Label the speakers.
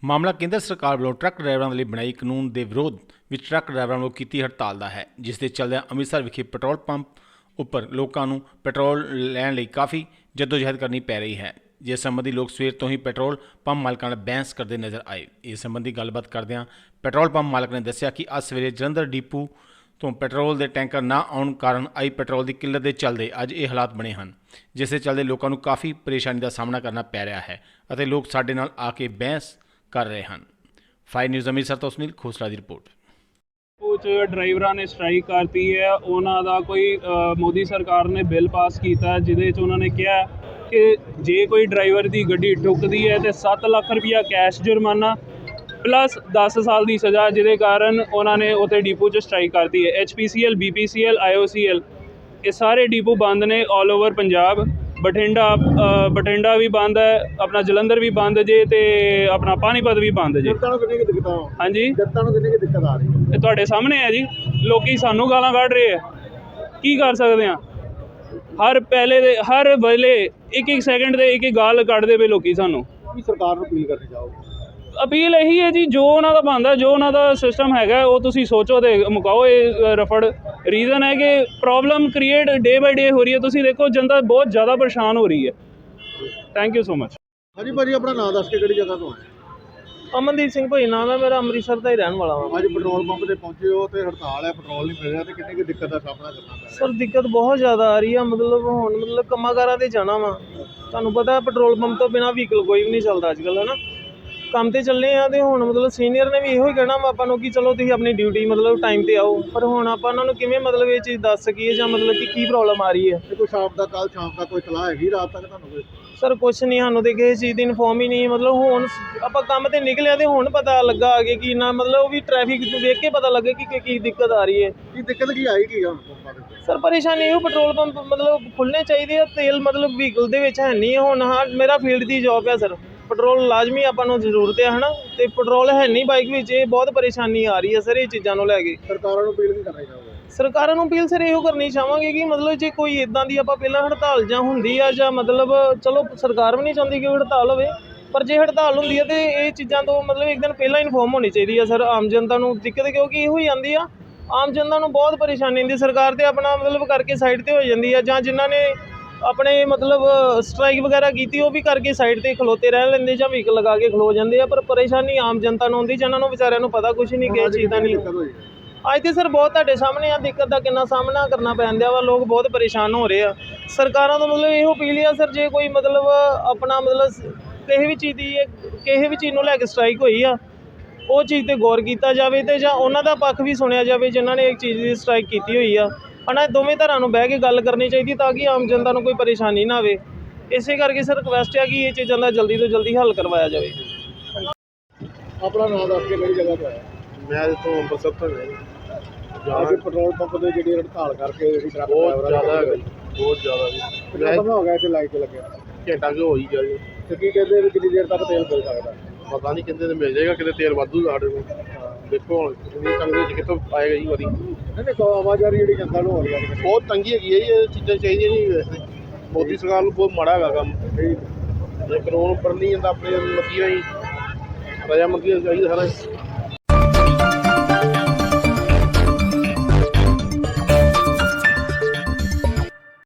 Speaker 1: ਮਾਮਲਾ ਕੇਂਦਰ ਸਰਕਾਰ ਵੱਲੋਂ ਟਰੱਕ ਡਰਾਈਵਰਾਂ ਦੇ ਲਈ ਬਣਾਈ ਕਾਨੂੰਨ ਦੇ ਵਿਰੋਧ ਵਿੱਚ ਟਰੱਕ ਡਰਾਈਵਰਾਂ ਵੱਲੋਂ ਕੀਤੀ ਹੜਤਾਲ ਦਾ ਹੈ, ਜਿਸ ਦੇ ਚੱਲਦਿਆਂ ਅੰਮ੍ਰਿਤਸਰ ਵਿਖੇ ਪੈਟਰੋਲ ਪੰਪ ਉੱਪਰ ਲੋਕਾਂ ਨੂੰ ਪੈਟਰੋਲ ਲੈਣ ਲਈ ਕਾਫੀ ਜਦੋਜਹਿਦ ਕਰਨੀ ਪੈ ਰਹੀ ਹੈ। ਜਿਸ ਸੰਬੰਧੀ ਲੋਕ ਸਵੇਰ ਤੋਂ ਹੀ ਪੈਟਰੋਲ ਪੰਪ ਮਾਲਕਾਂ ਨਾਲ ਬਹਿਸ ਕਰਦੇ ਨਜ਼ਰ ਆਏ। ਇਸ ਸੰਬੰਧੀ ਗੱਲਬਾਤ ਕਰਦਿਆਂ ਪੈਟਰੋਲ ਪੰਪ ਮਾਲਕ ਨੇ ਦੱਸਿਆ ਕਿ ਅੱਜ ਸਵੇਰੇ ਜਲੰਧਰ ਡਿਪੂ ਤੋਂ ਪੈਟਰੋਲ ਦੇ ਟੈਂਕਰ ਨਾ ਆਉਣ ਕਾਰਨ ਆਈ ਪੈਟਰੋਲ ਦੀ ਕਿੱਲਤ ਦੇ ਚੱਲਦੇ ਅੱਜ ਇਹ ਹਾਲਾਤ ਬਣੇ ਹਨ, ਜਿਸ ਦੇ ਚੱਲਦੇ ਲੋਕਾਂ ਨੂੰ ਕਾਫੀ ਪਰੇਸ਼ਾਨੀ ਦਾ ਸਾਹਮਣਾ ਕਰਨਾ ਪੈ ਰਿਹਾ ਹੈ ਅਤੇ ਲੋਕ ਸਾਡੇ ਨਾਲ ਆ ਕੇ ਬਹਿਸ ਕਰ ਰਹੇ ਹਨ। ਫਾਇਰ ਨਿਊਜ਼ ਅੰਮ੍ਰਿਤਸਰ ਤੋਂ ਸੁਨੀਲ ਖੋਸਲਾ ਦੀ ਰਿਪੋर्ट।
Speaker 2: ਕੁਝ ਡਰਾਈਵਰਾਂ ਨੇ ਸਟ੍ਰਾਈਕ ਕਰਤੀ ਹੈ। ਉਹਨਾਂ ਦਾ ਕੋਈ ਮੋਦੀ ਸਰਕਾਰ ਨੇ ਬਿੱਲ ਪਾਸ ਕੀਤਾ ਜਿਹਦੇ 'ਚ ਉਹਨਾਂ ਨੇ ਕਿਹਾ ਕਿ ਜੇ ਕੋਈ ਡਰਾਈਵਰ ਦੀ ਗੱਡੀ ਠੁੱਕਦੀ ਹੈ ਤੇ 7 ਲੱਖ ਰੁਪਇਆ ਕੈਸ਼ ਜੁਰਮਾਨਾ ਪਲੱਸ 10 ਸਾਲ ਦੀ ਸਜ਼ਾ, ਜਿਹਦੇ ਕਾਰਨ ਉਹਨਾਂ ਨੇ ਉੱਥੇ ਡਿਪੂ 'ਚ ਸਟ੍ਰਾਈਕ ਕਰਤੀ ਹੈ। HPCL, BPCL, IOCL ਇਹ ਸਾਰੇ ਡਿਪੂ ਬੰਦ ਨੇ ਆਲ ਓਵਰ ਪੰਜਾਬ। ਬਠਿੰਡਾ ਵੀ ਬੰਦ ਹੈ, ਆਪਣਾ ਜਲੰਧਰ ਵੀ ਬੰਦ ਜੇ ਤੇ ਆਪਣਾ ਪਾਣੀਪਤ ਵੀ ਬੰਦ ਜੇ।
Speaker 3: ਜਨਤਾ ਨੂੰ ਕਿੰਨੀ ਕੁ ਦਿੱਕਤ ਆ?
Speaker 2: ਹਾਂਜੀ,
Speaker 3: ਜਨਤਾ ਨੂੰ ਕਿੰਨੀ ਕੁ ਦਿੱਕਤ ਆ ਰਹੀ ਹੈ?
Speaker 2: ਇਹ ਤੁਹਾਡੇ ਸਾਹਮਣੇ ਹੈ ਜੀ। ਲੋਕੀ ਸਾਨੂੰ ਗਾਲਾਂ ਕੱਢ ਰਹੇ ਆ, ਕੀ ਕਰ ਸਕਦੇ ਆ? ਹਰ ਵੇਲੇ ਇੱਕ ਸੈਕਿੰਡ ਦੇ ਇੱਕ ਗਾਲ ਕੱਢਦੇ ਪਏ ਲੋਕੀ ਸਾਨੂੰ।
Speaker 3: ਕੀ ਸਰਕਾਰ ਨੂੰ ਅਪੀਲ ਕਰਨੀ ਚਾਹੋਗੇ?
Speaker 2: ਅਪੀਲ ਇਹੀ ਹੈ ਜੀ, ਜੋ ਉਹਨਾਂ ਦਾ ਬਣਦਾ, ਜੋ ਉਹਨਾਂ ਦਾ ਸਿਸਟਮ ਹੈਗਾ ਉਹ ਤੁਸੀਂ ਸੋਚੋ ਤੇ ਮੁਕਾਓ। ਇਹ ਰਫੜ ਰੀਜ਼ਨ ਹੈ ਕਿ ਪ੍ਰੋਬਲਮ ਕ੍ਰੀਏਟ ਡੇ ਬਾਈ ਡੇ ਹੋ ਰਹੀ ਹੈ। ਤੁਸੀਂ ਦੇਖੋ ਜਨਤਾ ਬਹੁਤ ਜ਼ਿਆਦਾ ਪਰੇਸ਼ਾਨ ਹੋ ਰਹੀ ਹੈ। Thank you so much.
Speaker 3: ਹਾਂਜੀ ਭਾਜੀ, ਆਪਣਾ ਨਾਮ ਦੱਸ ਕੇ ਕਿਹੜੀ ਜਗ੍ਹਾ ਤੋਂ ਆਏ?
Speaker 4: ਅਮਨਦੀਪ ਸਿੰਘ ਭਾਈ ਨਾਮ ਹੈ ਮੇਰਾ, ਅੰਮ੍ਰਿਤਸਰ ਦਾ ਹੀ ਰਹਿਣ ਵਾਲਾ ਹਾਂ।
Speaker 3: ਅੱਜ ਪੈਟਰੋਲ ਪੰਪ ਤੇ ਪਹੁੰਚੇ ਹੋ ਤੇ ਹੜਤਾਲ ਹੈ, ਪੈਟਰੋਲ ਨਹੀਂ ਮਿਲ ਰਿਹਾ ਤੇ ਕਿੰਨੀ ਕੁ ਦਿੱਕਤ ਦਾ ਸਾਹਮਣਾ ਕਰਨਾ ਪੈ ਰਿਹਾ?
Speaker 4: ਸਰ ਦਿੱਕਤ ਬਹੁਤ ਜ਼ਿਆਦਾ ਆ ਰਹੀ ਆ। ਹੁਣ ਕੰਮਾਂ ਕਾਰਾਂ 'ਤੇ ਜਾਣਾ ਵਾ, ਤੁਹਾਨੂੰ ਪਤਾ ਪੈਟਰੋਲ ਪੰਪ ਤੋਂ ਬਿਨਾਂ ਵਹੀਕਲ ਕੋਈ ਵੀ ਨਹੀਂ ਚੱਲਦਾ ਅੱਜ ਕੱਲ੍ਹ, ਹੈ ਨਾ। ਕੰਮ 'ਤੇ ਚੱਲੇ ਆ ਅਤੇ ਹੁਣ ਸੀਨੀਅਰ ਨੇ ਵੀ ਇਹੋ ਹੀ ਕਹਿਣਾ ਵਾ ਆਪਾਂ ਨੂੰ ਕਿ ਚਲੋ ਤੁਸੀਂ ਆਪਣੀ ਡਿਊਟੀ ਟਾਈਮ 'ਤੇ ਆਓ, ਪਰ ਹੁਣ ਆਪਾਂ ਉਹਨਾਂ ਨੂੰ ਕਿਵੇਂ ਇਹ ਚੀਜ਼ ਦੱਸ ਸਕੀਏ ਜਾਂ ਕਿ ਕੀ ਪ੍ਰੋਬਲਮ ਆ ਰਹੀ ਹੈ।
Speaker 3: ਤੇ ਕੋਈ ਕੱਲ ਸ਼ਾਮ ਤੱਕ ਕੋਈ ਸਲਾਹ ਹੈਗੀ ਰਾਤ ਤੱਕ ਤੁਹਾਨੂੰ ਕੋਈ?
Speaker 4: ਸਰ ਕੁਛ ਨਹੀਂ, ਸਾਨੂੰ ਤਾਂ ਕਿਸੇ ਚੀਜ਼ ਦੀ ਇਨਫੋਰਮ ਹੀ ਨਹੀਂ। ਹੁਣ ਆਪਾਂ ਕੰਮ 'ਤੇ ਨਿਕਲਿਆ ਅਤੇ ਹੁਣ ਪਤਾ ਲੱਗਾ ਅੱਗੇ ਕਿ ਨਾ ਉਹ ਵੀ ਟ੍ਰੈਫਿਕ ਵੇਖ ਕੇ ਪਤਾ ਲੱਗੇ ਕਿ ਕੀ ਦਿੱਕਤ ਆ ਰਹੀ ਹੈ।
Speaker 3: ਕੀ ਦਿੱਕਤ ਕੀ ਆਈ ਕੀ ਹੁਣ ਪੰਪਾਂ ਦੇ?
Speaker 4: ਸਰ ਪਰੇਸ਼ਾਨੀ ਇਹੋ, ਪੈਟਰੋਲ ਪੰਪ ਖੁੱਲ੍ਹਣੇ ਚਾਹੀਦੇ ਆ। ਤੇਲ ਵਹੀਕਲ ਦੇ ਵਿੱਚ ਹੈ ਨਹੀਂ ਹੁਣ। ਹਾਂ, ਮੇਰਾ ਫੀਲਡ ਦੀ ਜੋਬ ਹੈ ਸਰ, ਪੈਟਰੋਲ ਲਾਜ਼ਮੀ ਆਪਾਂ ਨੂੰ ਜ਼ਰੂਰਤ ਹੈ, ਹੈ ਨਾ। ਅਤੇ ਪੈਟਰੋਲ ਹੈ ਨਹੀਂ ਬਾਈਕ ਵਿੱਚ, ਇਹ ਬਹੁਤ ਪਰੇਸ਼ਾਨੀ ਆ ਰਹੀ ਹੈ ਸਰ ਇਹ ਚੀਜ਼ਾਂ ਨੂੰ ਲੈ ਕੇ।
Speaker 3: ਸਰਕਾਰਾਂ ਨੂੰ ਅਪੀਲ ਨਹੀਂ ਕਰਨੀ ਚਾਹੋਗੇ?
Speaker 4: ਸਰਕਾਰਾਂ ਨੂੰ ਅਪੀਲ ਸਰ ਇਹੋ ਕਰਨੀ ਚਾਹਾਂਗੇ ਕਿ ਜੇ ਕੋਈ ਇੱਦਾਂ ਦੀ ਆਪਾਂ ਪਹਿਲਾਂ ਹੜਤਾਲ ਜਾਂ ਹੁੰਦੀ ਆ ਜਾਂ ਚਲੋ ਸਰਕਾਰ ਵੀ ਨਹੀਂ ਚਾਹੁੰਦੀ ਕਿ ਹੜਤਾਲ ਹੋਵੇ, ਪਰ ਜੇ ਹੜਤਾਲ ਹੁੰਦੀ ਹੈ ਤਾਂ ਇਹ ਚੀਜ਼ਾਂ ਤੋਂ ਇੱਕ ਦਿਨ ਪਹਿਲਾਂ ਇਨਫੋਰਮ ਹੋਣੀ ਚਾਹੀਦੀ ਹੈ ਸਰ। ਆਮ ਜਨਤਾ ਨੂੰ ਦਿੱਕਤ ਕਿਉਂਕਿ ਇਹੋ ਹੀ ਆਉਂਦੀ ਆ, ਆਮ ਜਨਤਾ ਨੂੰ ਬਹੁਤ ਪਰੇਸ਼ਾਨੀ ਹੁੰਦੀ। ਸਰਕਾਰ ਤੇ ਆਪਣਾ ਕਰਕੇ ਸਾਈਡ 'ਤੇ ਹੋ ਜਾਂਦੀ ਆ, ਜਾਂ ਜਿਨ੍ਹਾਂ ਨੇ ਆਪਣੇ ਸਟ੍ਰਾਈਕ ਵਗੈਰਾ ਕੀਤੀ ਉਹ ਵੀ ਕਰਕੇ ਸਾਈਡ 'ਤੇ ਖਲੋਤੇ ਰਹਿ ਲੈਂਦੇ ਜਾਂ ਵਹੀਕਲ ਲਗਾ ਕੇ ਖਲੋ ਜਾਂਦੇ ਆ, ਪਰ ਪਰੇਸ਼ਾਨੀ ਆਮ ਜਨਤਾ ਨੂੰ ਹੁੰਦੀ, ਜਿਹਨਾਂ ਨੂੰ ਵਿਚਾਰਿਆਂ ਨੂੰ ਪਤਾ ਕੁਛ ਨਹੀਂ ਕਿਸੇ ਚੀਜ਼ ਦਾ ਨਹੀਂ। ਅੱਜ ਤੇ ਸਰ ਬਹੁਤ ਤੁਹਾਡੇ ਸਾਹਮਣੇ ਆ ਦਿੱਕਤ ਦਾ ਕਿੰਨਾ ਸਾਹਮਣਾ ਕਰਨਾ ਪੈਂਦਾ ਵਾ, ਲੋਕ ਬਹੁਤ ਪਰੇਸ਼ਾਨ ਹੋ ਰਹੇ ਆ। ਸਰਕਾਰਾਂ ਤੋਂ ਇਹੋ ਅਪੀਲ ਆ ਸਰ, ਜੇ ਕੋਈ ਆਪਣਾ ਕਿਸੇ ਵੀ ਚੀਜ਼ ਨੂੰ ਲੈ ਕੇ ਸਟ੍ਰਾਈਕ ਹੋਈ ਆ, ਉਹ ਚੀਜ਼ 'ਤੇ ਗੌਰ ਕੀਤਾ ਜਾਵੇ ਅਤੇ ਜਾਂ ਉਹਨਾਂ ਦਾ ਪੱਖ ਵੀ ਸੁਣਿਆ ਜਾਵੇ ਜਿਨ੍ਹਾਂ ਨੇ ਇੱਕ ਚੀਜ਼ ਦੀ ਸਟ੍ਰਾਈਕ ਕੀਤੀ ਹੋਈ ਆ, ਹੈ ਨਾ। ਦੋਵੇਂ ਧਿਰਾਂ ਨੂੰ ਬਹਿ ਕੇ ਗੱਲ ਕਰਨੀ ਚਾਹੀਦੀ ਤਾਂ ਕਿ ਆਮ ਜਨਤਾ ਨੂੰ ਕੋਈ ਪਰੇਸ਼ਾਨੀ ਨਾ ਆਵੇ। ਇਸੇ ਕਰਕੇ ਸਰ ਰਿਕੁਐਸਟ ਹੈ ਕਿ ਇਹ ਚੀਜ਼ਾਂ ਦਾ ਜਲਦੀ ਤੋਂ ਜਲਦੀ ਹੱਲ ਕਰਵਾਇਆ ਜਾਵੇ।
Speaker 3: ਆਪਣਾ ਨਾਮ ਦੱਸ ਕੇ ਕਿਹੜੀ ਜਗ੍ਹਾ ਤੋਂ ਆਏ?
Speaker 5: ਮੈਂ ਇੱਥੋਂ ਅੰਮ੍ਰਿਤਸਰ ਤੋਂ
Speaker 3: ਅੱਜ ਪੈਟਰੋਲ ਪੰਪ ਦੇ ਜਿਹੜੀ ਹੜਤਾਲ ਕਰਕੇ ਜਿਹੜੀ ਟਰੱਕ
Speaker 5: ਬਹੁਤ ਜ਼ਿਆਦਾ
Speaker 3: ਡਰਾਈਵਰਾਂ
Speaker 5: ਹੈਗਾ ਜੀ, ਬਹੁਤ ਜ਼ਿਆਦਾ ਜੀ।
Speaker 3: ਕਿੰਨਾ ਸਮਾਂ ਹੋ ਗਿਆ ਇੱਥੇ ਲਾਈਟ 'ਤੇ ਲੱਗਿਆ?
Speaker 5: ਘੰਟਾ ਕੁ ਹੋ ਹੀ ਗਿਆ ਜੀ।
Speaker 3: ਤੇ ਕੀ ਕਹਿੰਦੇ ਵੀ ਕਿੰਨੀ ਦੇਰ ਤੱਕ ਤੇਲ ਮਿਲ ਸਕਦਾ?
Speaker 5: ਪਤਾ ਨਹੀਂ ਕਿੰਨੇ ਤੇ ਮਿਲ ਜਾਏਗਾ, ਕਿਤੇ ਤੇਲ ਵਾਧੂ ਸਾਡੇ ਕੋਲ। ਦੇਖੋ ਹੁਣ ਕਿੰਨੀ ਤੰਗੀ ਵਿੱਚ ਕਿੱਥੋਂ ਆਏਗਾ ਜੀ ਵਾਰੀ।
Speaker 3: ਨਹੀਂ ਆਵਾਜ਼ਾਰੀ ਜਿਹੜੀ ਜਨਤਾ ਨੂੰ ਹੋ ਰਹੀ ਹੈ
Speaker 5: ਬਹੁਤ ਤੰਗੀ ਹੈਗੀ ਹੈ ਜੀ, ਇਹ ਚੀਜ਼ਾਂ ਚਾਹੀਦੀਆਂ ਨਹੀਂ ਵੈਸੇ। ਮੋਦੀ ਸਰਕਾਰ ਨੂੰ ਬਹੁਤ ਮਾੜਾ ਹੈਗਾ ਕੰਮ। ਜੇ ਕਾਨੂੰਨ ਉੱਪਰ ਨਹੀਂ ਜਾਂਦਾ ਆਪਣੇ ਮਰਜ਼ੀ ਨਾਲ ਹੀ ਰਜਾਮੰਦੀ ਚਾਹੀਦਾ ਸਾਰਾ।